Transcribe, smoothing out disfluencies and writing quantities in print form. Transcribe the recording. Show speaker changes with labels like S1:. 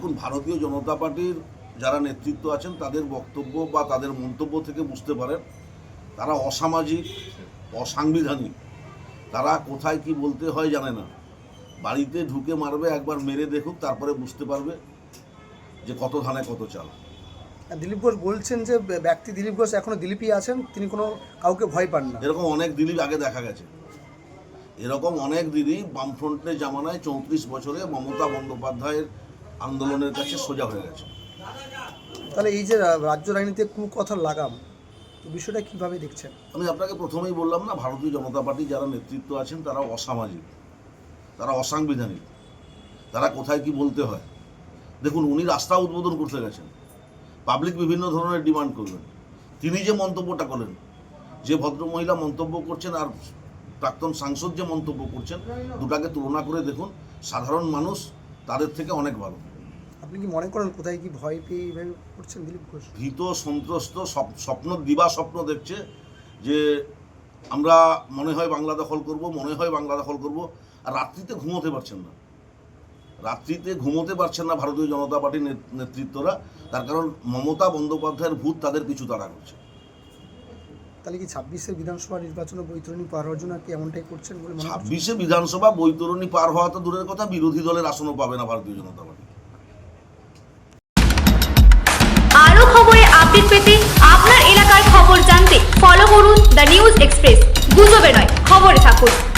S1: দেখুন, ভারতীয় জনতা পার্টির যারা নেতৃত্ব আছেন তাদের বক্তব্য বা তাদের মন্তব্য থেকে বুঝতে পারেন তারা অসামাজিক, অসাংবিধানিক। তারা কোথায় কি বলতে হয় জানে না। বাড়িতে ঢুকে মারবে, একবার মেরে দেখুক, তারপরে বুঝতে পারবে যে কত ধানে কত চাল।
S2: দিলীপ ঘোষ বলছেন যে ব্যক্তি দিলীপ ঘোষ এখনো দিলীপই আছেন, তিনি কোনো কাউকে ভয় পান না।
S1: এরকম অনেক দিলীপ আগে দেখা গেছে। এরকম অনেক দিলীপ বামফ্রন্টের জামানায় 34 বছরে মমতা বন্দ্যোপাধ্যায়ের আন্দোলনের কাছে সোজা হয়ে গেছে।
S2: তাহলে এই যে রাজ্য রাজনীতিতে কুকথার লাগাম, তো বিষয়টা কীভাবে দেখছেন?
S1: আমি আপনাকে প্রথমেই বললাম না, ভারতীয় জনতা পার্টি যারা নেতৃত্ব আছেন তারা অসামাজিক, তারা অসাংবিধানিক। তারা কোথায় কি বলতে হয়। দেখুন, উনি রাস্তা উদ্বোধন করতে গেছেন, পাবলিক বিভিন্ন ধরনের ডিমান্ড করবেন। তিনি যে মন্তব্যটা করলেন, যে ভদ্রমহিলা মন্তব্য করছেন আর প্রাক্তন সাংসদ যে মন্তব্য করছেন, দুটাকে তুলনা করে দেখুন, সাধারণ মানুষ তাদের থেকে অনেক ভালো।
S2: আপনি কি মনে করেন কোথায় কি ভয় পেয়ে এইভাবে করছেন দিলীপ ঘোষ?
S1: ভীত, সন্ত্রস্ত, স্বপ্ন, দিবা স্বপ্ন দেখছে যে আমরা মনে হয় বাংলা দখল করব, মনে হয় বাংলা দখল করব। আর রাত্রিতে ঘুমোতে পারছেন না, ভারতীয় জনতা পার্টির নেতৃত্বরা। তার কারণ মমতা বন্দ্যোপাধ্যায়ের ভূত তাদের পিছু তাড়া করছে।
S2: তাহলে কি 26-এর বিধানসভা নির্বাচনে বৈতরণী পার হওয়ার জন্য কি এমনটাই করছেন বলে মনে হচ্ছে?
S1: 26-এ বিধানসভা বৈতরণী পার হওয়া তো দূরের কথা, বিরোধী দলের আসনও পাবে না ভারতীয় জনতা পার্টি।
S3: আরও খবরের আপডেট পেতে, আপনার এলাকার খবর জানতে ফলো করুন দ্য নিউজ এক্সপ্রেস। গুজবে নয়, খবরে থাকুন।